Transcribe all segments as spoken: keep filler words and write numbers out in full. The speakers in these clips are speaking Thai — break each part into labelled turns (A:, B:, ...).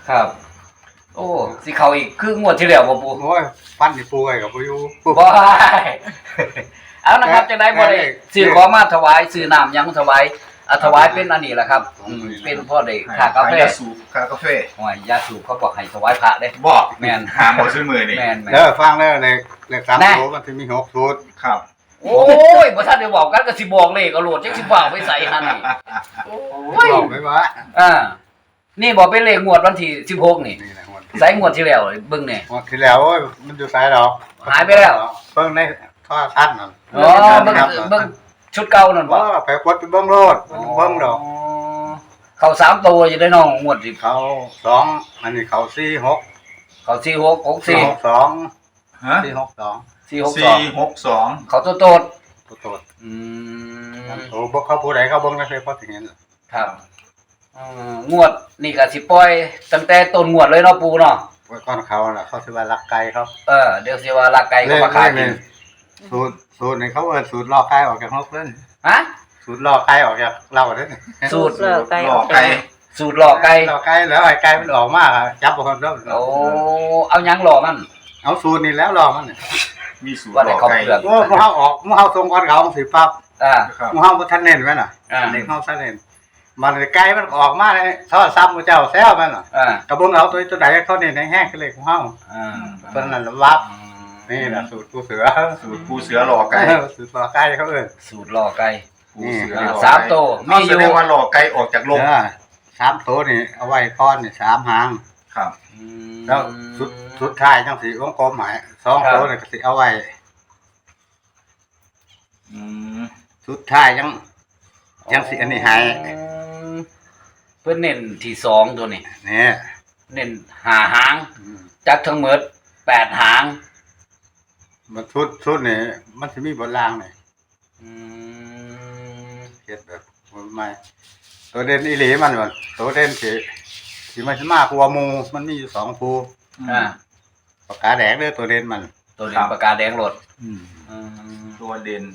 A: ครับโอ้สิเขาอีกคืองวดที่แล้วบ่ปู
B: โอ้ยฟันที่ปูไว้กับปูอยู่
A: บ่เอานะครับจะได้บ่ได้ซื้อของมาถวายซื้อน้ำยังถวายอ่ะถวายเป็นอันนี้แหละครับอืมเป็นพ่อได้ค่ากาแฟ
C: สูบค่ากาแฟ
A: โอ้ยยาสูบเขาบอกให้ถวายพระเด้
C: บ่
A: แม่น
C: หาบ่ซื้อมือนี่
A: แม่น
B: เด้อฟังแล้วเลขเลขสามตัวมันสิมีหกสูตร
C: ครับ
A: โอ้ยบ่ทันได้บอกกันก็สิบอกเลขเอาโลดจักสิบอกไปใส่หั่นนี่โอ้ย
B: บอกไว้ว่า
A: อ่านี่บอกเป็นเลขงวดวันที่สิบหกนี่
B: นี่แหละงวด
A: ใส่งวดที่แล้วเบิ่งนี่
B: งวดที่แล้วโอ้ยมันอยู่ไสดอก
A: หายไปแล้ว
B: เบิ่งในโทรทัศน์นั่น
A: อ๋อเบิ่งเบิ่งชุดเก่านั่นบ่
B: บ่ไปกดไปเบิ่งโลดเบิ่งดอก
A: เข้าสามตัวอยู่ได้น้องงวดสิ
B: เขาสองอันนี้เขาสี่หก
A: เข้าสี่หก หกสี่
B: หกสอง
C: ฮะ
B: สี่หกสอง
A: สี่หกสอง
C: สี่หกสอง
A: เข้าโตโตด
B: โตด
A: อืม
B: โอ้บ่เขาผู้ใดเขาเบิ่งได้เพราะถึงเห็น
A: ครับอืองวดนี่ก็สิปล่อยตั้งแต่ต้นงวดเลยเนาะปู่เนาะ
B: ไว้ก่อนเขาน่ะเขาสิว่ารักไก่เขา
A: เออเดี๋ยวสิว่าลักไก่เขามาขายกิน
B: สูตรสูตรนี่เขาเอิ้นสูตรลอกไก่ออกจากนกเล่น
A: ฮะ
B: สูตรลอกไก่ออกจากเราเด้อ
A: สูตร
C: หลอกไก่
A: สูตรหล่อไก่
B: ลอกไก่แล้วไอ้ไก่มันออกมาจับบ่คนเด้อ
A: โอ้เอาหยังหล่อมัน
B: เอาสูตรนี่แล้วลอกมัน
C: มีสูตรหลอกไก่
B: โอ้หมู่เฮาออกหมู่เฮาส่งก่อนเขาสิปั๊บ
A: อ่า
B: หมู่เฮาบ่ทันเน้นไว้น่ะเด็กเฮาทันเน้นมันไก่มันออกมาเลยโทรศัพท์ผู้เจ้าแซวมันน่ะ
A: อ่า
B: ก็เบิ่งเอาตัวตัวใดเขาเน้นแห้งๆคือเลขของเฮา
A: อ่า
B: เพิ่นนั่นวับนี่น่ะสูตรผู้เสือ
C: สูตรผู้เสือหลอกไก่
B: สูตรลอกไก่เขาเอิ้น
A: สูตรหล่อไก่
C: ผู้เสือ
A: สามตัวมีอยู่
C: แสดงว่าหลอกไก่ออกจากโลก
B: สามตัวนี่เอาไว้ก้อนนี่สามหาง
C: ครับ
B: แล้วสุดสุดท้ายจังสิวงกลมหมายสองตัวนี่ก็สิเอาไว้
C: อืม
B: สุดท้ายจังจังสิอันนี้ให้
A: เพิ่นเน้นที่สองตัวนี้
B: นี่
A: เน้นห้าหางจักทั้งหมดแปดหาง
B: มันชุดชุดนี่มันสิมีบนล่างนี่
A: อืม
B: เฮ็ดแบบใหม่ตัวเด่นอีหลีมันว่าตัวเด่นสิสิมันสิมากกว่าหมู่มันมีอยู่สองคู่
A: อ่า
B: ปากกาแดงเด้อตัวเด่นมัน
A: ตัวเด่นปากกาแดงรถ
B: อืม
A: อืม
C: ตัวเด่น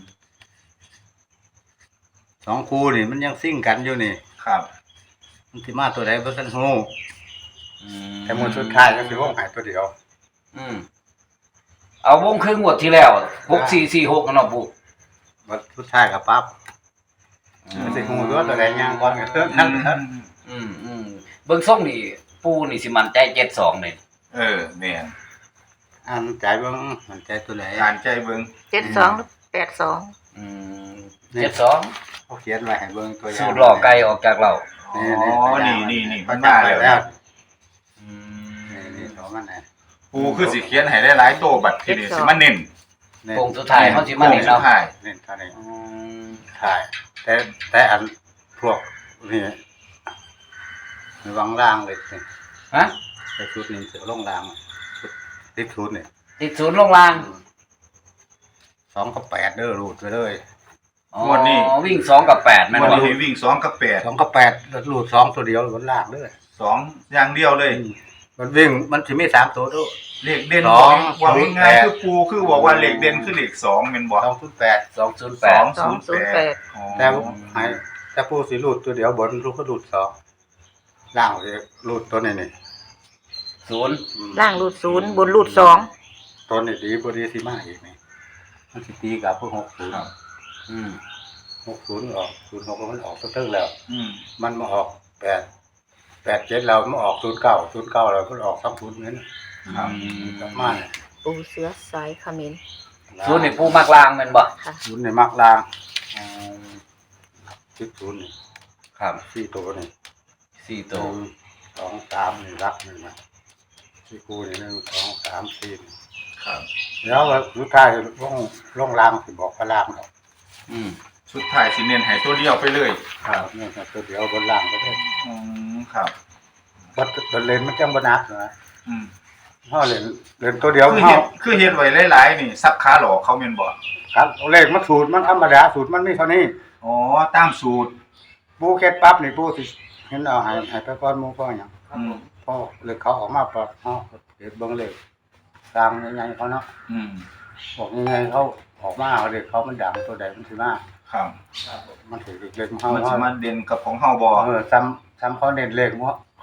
B: สองคู่นี่มันยังซิ่งกันอยู่นี่
C: ครับ
B: มันสิมาตัวใดบ่ทันฮู้
A: อืม
B: แต่หมู่สุดท้ายก็สิวงให้ตัวเดียว
A: อืมเอาวงครึ่งงวดที่แล้วหกสี่สี่หกเนาะปู่
B: บัดสุดท้ายก็ปั๊บมันสิฮู้ตัวตัวใดย่างก่อนก็เทิงนั้น
A: อืมอืมเบิ่งส่งนี่ปู่นี่สิมั่นใจเจ็ดสองนี่
C: เออแม่น
B: อันใจเบิ่งมันใจตัวไหน
C: อ่านใจเบิ่ง
D: เจ็ดสองหรือแปดสอง
A: อืมเจ็ดสอง
B: เขาเขียนไว้ให้เบิ่งตัวอย่าง
A: สูตรหล่อไก่ออกจากเรา
C: อ๋อนี่นี่นี่มันมาแล้ว
A: อืม
B: นี่ๆของมันน่ะ
C: ปูคือสิเขียนให้หลายๆโตบัดทีนี้สิมาเน้น
A: โป่งสุดท้ายเฮาสิมาเน้นเนาะ
B: เน้นเท่านี้อืมใช่แต่แต่อันพวกนี่ระวังล่างเลยสิ
A: ฮะ
B: ไปชุดนี้สิลงล่างชุดติดชุดนี่
A: ติดศูนย์ลงล่าง
B: สองกับแปดเด้อรูดไปเลย
A: งวดนี้วิ่งสองกับแปดแม่นบ่
C: วันนี้วิ่งสองกับแปด
B: สองกับแปดรูดสองตัวเดียวบนล่างเด้อ
C: สองอย่างเดียวเลย
B: มันวิ่งมันสิมีสามตัวด้วย
C: เลขเด่นว่าง่ายๆคือปูคือบอกว่าเลขเด่นคือเลขสองแม่นบ่
B: สองศูนย์แปด
A: สองศูนย์แปด
C: สองศูนย์แปด
B: แต่ให้แต่ผู้สิรูดตัวเดียวบนรูดก็รูดสองล่างสิรูดตัวนี้นี่
A: ศูนย์
D: ล่างรูดศูนย์บนรูดสอง
B: ตัวนี้ดีบ่ดีสิมาอีกนี่มันสิตีกับพวกหกศูนย์
A: อืม
B: หกศูนย์ออกศูนย์หกมันออกตึ้งแล้ว
C: อืม
B: มันมาออกแปดแปดเจ็ดเรามาออกศูนย์เก้าศูนย์เก้าเราก็ออกสองศูนย์นั้น
C: ครับ
B: กลับมาเนี่ย
D: ปูเสือสายขมิ้น
A: ศูนย์นี่ปูมักลางแม่นบ่
B: ศูนย์นี่มักลางอืมสิบศูนย์นี่
A: ครับ
B: สี่ตัวนี่
A: สี่ตัว
B: สองสามนี่รักนี่มาสี่คู่นี่หนึ่งสองสามสี่
C: ครับ
B: แล้วสุดท้ายลงลงล่างสิบอกว่าล่างเนาะ
A: อืม
C: สุดท้ายสิเน้นให้ตัวเดียวไปเลย
B: ครับนี่ครับตัวเดียวบนล่างก็ได้
C: อืมครับ
B: บัดบัดเลนมันจังบ่หนักนะ
C: อืม
B: เฮาเล่นเล่นตัวเดียว
C: คือเฮ็ดคือเฮ็ดไว้หลายๆนี่ซับขาหลอกเขาแม่นบ่
B: ครับเลขมันสูตรมันธรรมดาสูตรมันมีเท่านี้
C: อ๋อตามสูตร
B: ปูเฮ็ดปั๊บนี่ปูสิเห็นเอาให้ให้ไปก่อนหมู่ก่อนหยัง
C: อืม
B: พอเลขเขาออกมาปั๊บเฮาเฮ็ดเบิ่งเลขตามใหญ่ๆเขาเนาะ
C: อืม
B: บอกยังไงเขาออกมาเอาเลขเขามันดังตัวใดมันสิมา
C: ครับ
B: มันถือเลขของเฮา
C: มันสิมาเด่นกับของเฮาบ่
B: เออซ้ำซ้ำเขาเน้นเลขเ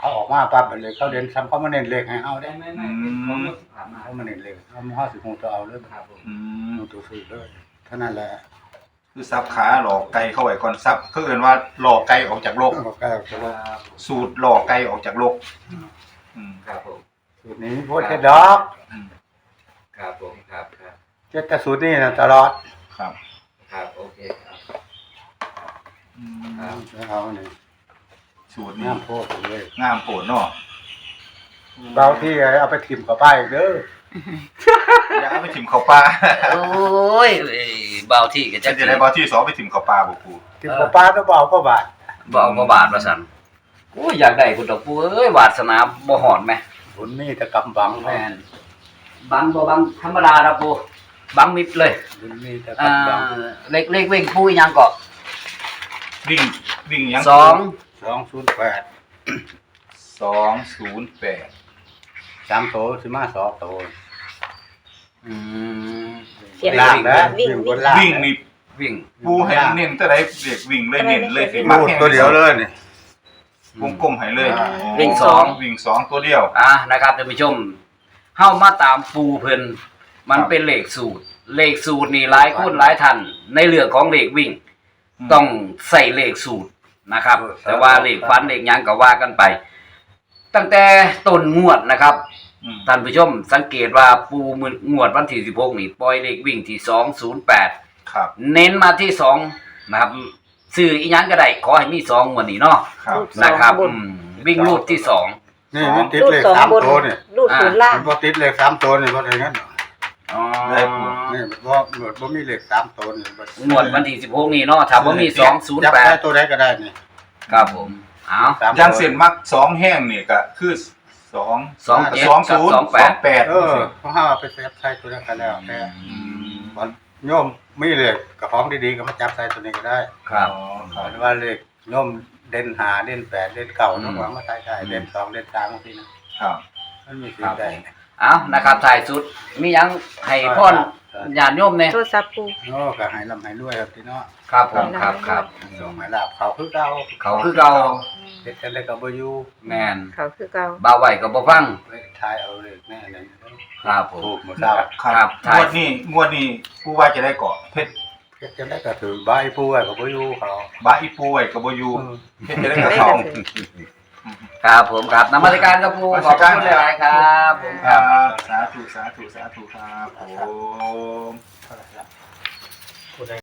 B: เขาออกมาปั๊บเลยเขาเดินซ้ำเขามาเน้นเลขให้เอาได้
A: ไม่ไม่ไม่ของงวดที่ผ่านมา
B: เขามาเน้นเลขเอามาห้าสิบหกตัวเอาเลย
A: ครับผม
C: อืม
B: เอาตัวซื้อเลยเท่านั้นแหละ
C: คือซับขาหลอกไก่เข้าไว้ก่อนซับคือเอิ้นว่าหลอกไก่ออกจากโลก
B: ก็แก้ตัว
A: ครับ
C: สูตรหลอกไก่ออกจากโลกอืม
A: ครับผม
B: สูตรนี้พวกเจ็ดดอก
C: อืม
A: ครับผมครับครับ
B: เจ็ดแต่สูตรนี้นะตลอด
C: ครับ
A: ครับโอเคครับ
C: อืม
B: เอาเนี่ย
C: สูตรนี้
B: น้ำโพดเลย
C: งามโปรดเนาะ
B: เบาที่เอาไปถิ่มเข้าไปอีกเด้อ
C: อย่าเอาไปถิ่มเข้าปลา
A: โอ้ยเอ้ยเบาที่ก็
C: จะ
A: จะ
C: จะได้บอที่สองไปถิ่มเข้าปลาบ่ปู
B: ถิ่มเข้าปลาก็เบาก็บาท
A: เบาบ่บาทว่าซั่นโอ้ยอยากได้คุณดอกปูเอ้ยวาสนาบ่หอดแม่
B: ผลนี่จะกำบัง
A: แม่นบังบ่บังธรรมดาครับปูบังมิดเลย
B: ผลนี่จะ
A: อ่าก
B: ำบัง
A: เล็กเล็กเว่งปูอีหยังก็
C: วิ่งวิ่งหยัง
A: สอง
B: สองศูนย์แปด
C: สองศูนย์แปด
B: สามโตสิมาสองโต
A: อืม
D: เสียง
B: ล่างนะ
D: วิ่ง
B: วิ่งบนล่าง
C: วิ่งนี่
A: วิ่ง
C: ปูให้เน้นแต่ใดเด็กวิ่งเลยเน้นเลยสิ
B: รูดตัวเดียวเลยนี่
C: วงกลมให้เลย
B: อ่า
A: วิ่งสอง
C: วิ่งสองตัวเดียว
A: อ่ะนะครับท่านผู้ชมเฮามาตามปูเพิ่นมัน
C: ครับ
A: เป็นเลขสูตร เลขสูตรนี่หลายคนหลายท่านในเรื่องของเลขวิ่ง
C: อืม
A: ต้องใส่เลขสูตรนะครับ
B: เออ
A: แต่ว่าเลขฟันเลขหยังก็ว่ากันไป ตั้งแต่ต้นงวดนะครับ
C: อืม
A: ท่านผู้ชมสังเกตว่าปูมืองวดวันที่สิบหกนี่ปล่อยเลขวิ่งที่สองศูนย์แปด
C: ครับ
A: เน้นมาที่สองนะครับซื้ออีหยังก็ได้ขอให้มีสองงวดนี้เนาะ
C: ครับ
A: นะครับ
D: บน
A: อืมวิ่งรูดที่สอง
B: นี่มันติด
D: รูด
B: เลข
D: สอง
B: สาม
D: บน
B: โตเนี่ย
D: รูดศูนย์ล่าง
B: มันพอติดเลขสามโตเนี่ยเพราะอะไรงั้น
A: อ๋อ
B: นี่มันว่าหนวดว่ามีเลขสามโตเนี่ย
A: งวดวันที่สิบหกนี่เนาะถ้าบ่มีสองศูนย์
B: จับ
A: แป
B: ได้
A: ด
B: ตัวใดก็ได้นี่
A: ครับผมเอา
B: สาม
C: ยางเส้นมักสองแห้งนี่ก็คือสอง
A: สองเจ็ด
C: สอง
A: กับ
C: ศูนย์
A: สองแป
C: สอ
A: ด
C: งแปด
B: เออเพราะห้าไปเซฟใส่ตัวนั้นก็แล้วแต่
C: อืม
B: มันโยมมีเลขกับของดีๆก็มาจับใส่ตัวนี้ก็ได้
A: ครับ
C: อ๋อค
B: ห
C: รับ
B: รือว่าเลขโยมเด่นหาเด่นแปดเด่นเก้าน้องหวังมาใส่ได้เด่นสองเด่นสามบางทีนะครับ มันมีสิ่งใด
A: เอานะครับถ่ายสุดมีหยังให้พ่อนญาติโยมเนี่ย
D: โทรศัพท์ปู
B: โอ้ก็ให้ลำให้รวยครับพี่เนาะ
A: ครับผมครับครับ
B: ส่งให้ลาบเขาคือเก่า
A: เขาคือเก่า
B: เฮ็ดกันได้ก็บ่อยู่
A: แมน
D: เขาคือเก่า
A: บ่าวไหวก็บ่ฟัง
B: ไปทายเอาเลขแน่นั่น
A: ครับผ
B: ถู
A: ม
B: กหมดแล้ว
A: ครับใช่
C: งวดนี้งวดนี้ผู้ว่าจะได้เกาะเพชร
B: เฮ็ดกันได้ก็ถือใบผู้ไว้ก็บ่อยู่เขา
C: บาอีปูไว้กับโบอยู
B: เออ
C: เพชรจะได้
D: ได้
C: กับ
D: ก
C: เขา
D: ระถือ
A: ครับผมครับนมัสการครับครูขอบคุณหลายๆครับผม
C: ค
A: ครั
C: รั
A: บบ
C: สาธุสาธุสาธุครับผม
B: เท่าไหร่ละผู้ใด